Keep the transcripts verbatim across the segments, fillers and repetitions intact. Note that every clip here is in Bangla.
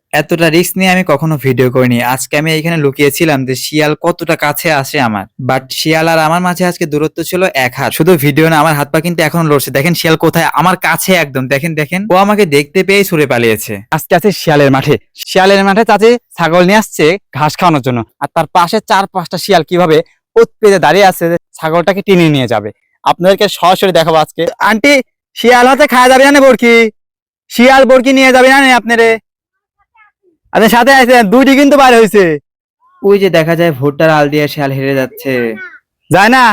এতটা রিস্ক নিয়ে আমি কখনো ভিডিও করিনি। আজকে আমি এখানে লুকিয়েছিলাম যে শিয়াল কতটা কাছে আসে আমার। বাট শিয়াল আর আমার মাঝে আজকে দূরত্ব ছিল এক হাত। শুধু ভিডিও না, আমার হাত পা কিন্তু এখনো লড়ছে। দেখেন শিয়াল কোথায়, আমার কাছে একদম। দেখেন দেখেন ও আমাকে দেখতে পেয়ে ছুড়ে পালিয়েছে। আজকে আছে শিয়ালের মাঠে। শিয়ালের মাঠে চাচি ছাগল নিয়ে আসছে ঘাস খাওয়ানোর জন্য, আর তার পাশে চার পাঁচটা শিয়াল কিভাবে ওত পেতে দাঁড়িয়ে আছে যে ছাগলটাকে টেনে নিয়ে যাবে। আপনাদেরকে সরাসরি দেখাবো আজকে। আন্টি, শিয়াল হাতে খাওয়া যাবে না বরকি? শিয়াল বরকি নিয়ে যাবে না আপনারে? আপনার সাথে আছে দুইটি কিন্তু বার হয়েছে। ওই যে দেখা যায় ভুট্টার আল দিয়ে শিয়াল হেরে যাচ্ছে। যায় না?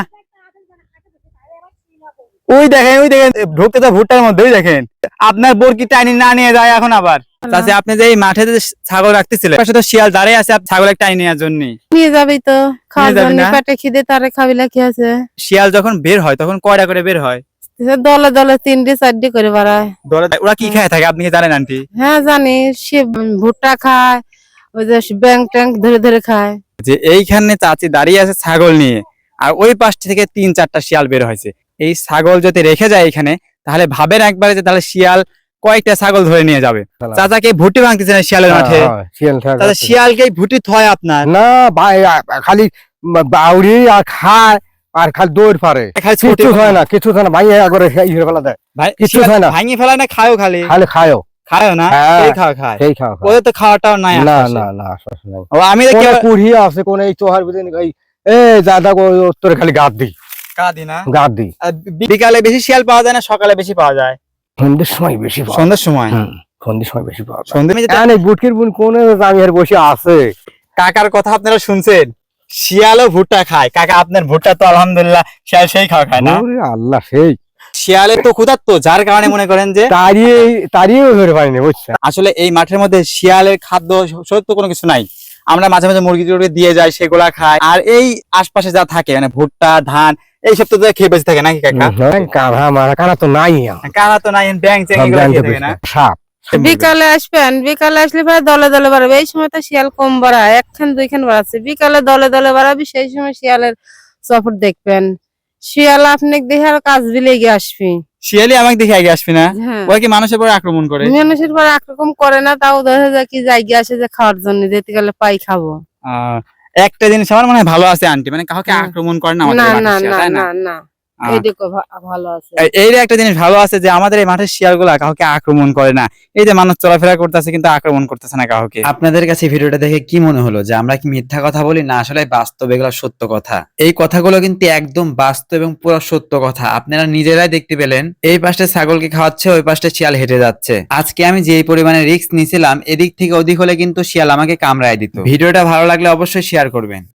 ওই দেখেন, ওই দেখেন ঢুকতে তো ভুট্টার মধ্যেই দেখেন। আপনার বরকি টাইনি না নিয়ে যায় এখন আবার। চাচি, আপনি যে এই মাঠে যে ছাগল রাখতেছিলেন, পাশে তো শিয়াল দাঁড়িয়ে আছে ছাগল টাইনি নেওয়ার জন্য। নিয়ে যাবি তো, খাওয়ার যাবি জন্য না? পেটে খিদে তারে খাবিলা কি আছে। শিয়াল যখন বের হয় তখন কয়টা করে বের হয়? দলে দলে তিনটে চারটে করে বাড়ায়। দলে ওরা কি খায় থাকে আপনি কি জানেন আন্টি? হ্যাঁ জানি, সে ভুট্টা খায়, ওই যে ব্যাং ট্যাং ধরে ধরে খায়। যে এইখানে চাচি দাঁড়িয়ে আছে ছাগল নিয়ে, আর ওই পাশ থেকে তিন চারটা শিয়াল বের হয়েছে। এই ছাগল যদি রেখে যায় এখানে, তাহলে ভাবেন একবারে যে তাহলে শিয়াল কয়েকটা ছাগল ধরে নিয়ে যাবে। চাচাকে ভুটি ভাঙতেছে না শিয়ালের মাঠে? তাহলে শিয়ালকে ভুটি থয় আপনার না ভাই, খালি বাউরি আর খায় আর খালি দৌড় পারে, খালি ছোটে কিছু কথা। হয় না, কিছু হয় না ভাই, করে ইয়ে ফেলা দেয়, ভাই কিছু শিয়াল হয় না। ভাঙিয়ে ফেলায় না খায়ও? খালি খালি খায়ও, খায়ও না? হ্যাঁ। এই খাওয়া খায়, সেই খাওয়া খায়। ওদের তো খাওয়াটাও নাই না আশেপাশে। না না আশ্বাস নাই। ও আমি দেখি কোন আবার- কুড়ি আছে, কোন এই চোহার ভিতরে এই এ দাদা তোর খালি গাদ দি কাঁদি না? গাদ দি। আর বি- বিকালে বেশি শিয়াল পাওয়া যায় না সকালে বেশি পাওয়া যায়? সন্ধ্যের সময় বেশি পাওয়া যায়। সন্ধ্যার সময়। হুম, সন্ধ্যের সময় বেশি পাওয়া যায়। সন্ধ্যে এই বুটকির বুন কোন আমি আর বসে আছে। কাকার কথা আপনারা শুনছেন, শিয়ালও ভুট্টা খায়। কাকা আপনার ভুট্টা তো আলহামদুলিল্লাহ শিয়াল সেই খাওয়া খায় না? ওরে আল্লাহ, সেই শিয়ালের তো ক্ষুধার্ত, যার কারণে মনে করেন যে তাড়িয়ে তাড়িয়ে ধরে পারিনি, বুঝছেন? আসলে এই মাঠের মধ্যে শিয়ালের খাদ্য সত্য কোনো কিছু নাই। আমরা মাঝে মাঝে মুরগি টুরগি দিয়ে যাই, সেগুলা খায়। আর এই আশপাশে যা থাকে মানে ভুট্টা ধান এইসব তো খেয়ে বেঁচে থাকে নাকি কাকা? কানা মারা কানা তো নাই, কারা তো নাই, ব্যাং চ্যাং এগুলো খেয়ে থাকে না? সাপ বিকালে আসবেন, বিকালে আসলে পরে দলে দলে বাড়াবে। এই সময় তো শিয়াল কম বাড়ায়, একখান দুইখান বাড়াচ্ছে। বিকালে দলে দলে বাড়াবি, সেই সময় শিয়ালের চপট দেখবেন। শিয়াল আপনি দেখে আর কাজ বিলে গিয়ে আসবি। শিয়ালি আমাকে দেখে আগে আসবি না? হ্যাঁ, ওরা কি মানুষের পরে আক্রমণ করে? মানুষের পরে একরকম করে না, তাও দেখা যায় কি জায়গা আসে যে খাওয়ার জন্য, যেতে গেলে পাই খাবো। আহ, একটা জিনিস আমার মনে হয় ভালো আছে আন্টি, মানে কাউকে হ্যাঁ। আক্রমণ করে না আমাদের না মাঠের না শিয়াল, না তাই না? না না, আহ, এইটুকু ভা- ভালো আছে। এই- এই একটা জিনিস ভালো আছে যে আমাদের এই মাঠের শিয়াল গুলা কাউকে আক্রমণ করে না। এই যে মানুষ চলাফেরা করতেছে কিন্তু আক্রমণ করতেছে না কাউকে। আপনাদের কাছে ভিডিওটা দেখে কি মনে হলো, যে আমরা কি মিথ্যা কথা বলি না আসলে বাস্তব এগুলো সত্য কথা? এই কথাগুলো কিন্তু একদম বাস্তব এবং পুরো সত্য কথা। আপনারা নিজেরাই দেখতে পেলেন, এই পাশে ছাগলকে খাওয়াচ্ছে, ওই পাশে শিয়াল হেঁটে যাচ্ছে। আজকে আমি যেই পরিমাণে রিস্ক নিয়েছিলাম, এদিক থেকে ওদিক হলে কিন্তু শিয়াল আমাকে কামড়ায় দিত। ভিডিওটা ভালো লাগলে অবশ্যই শেয়ার করবেন।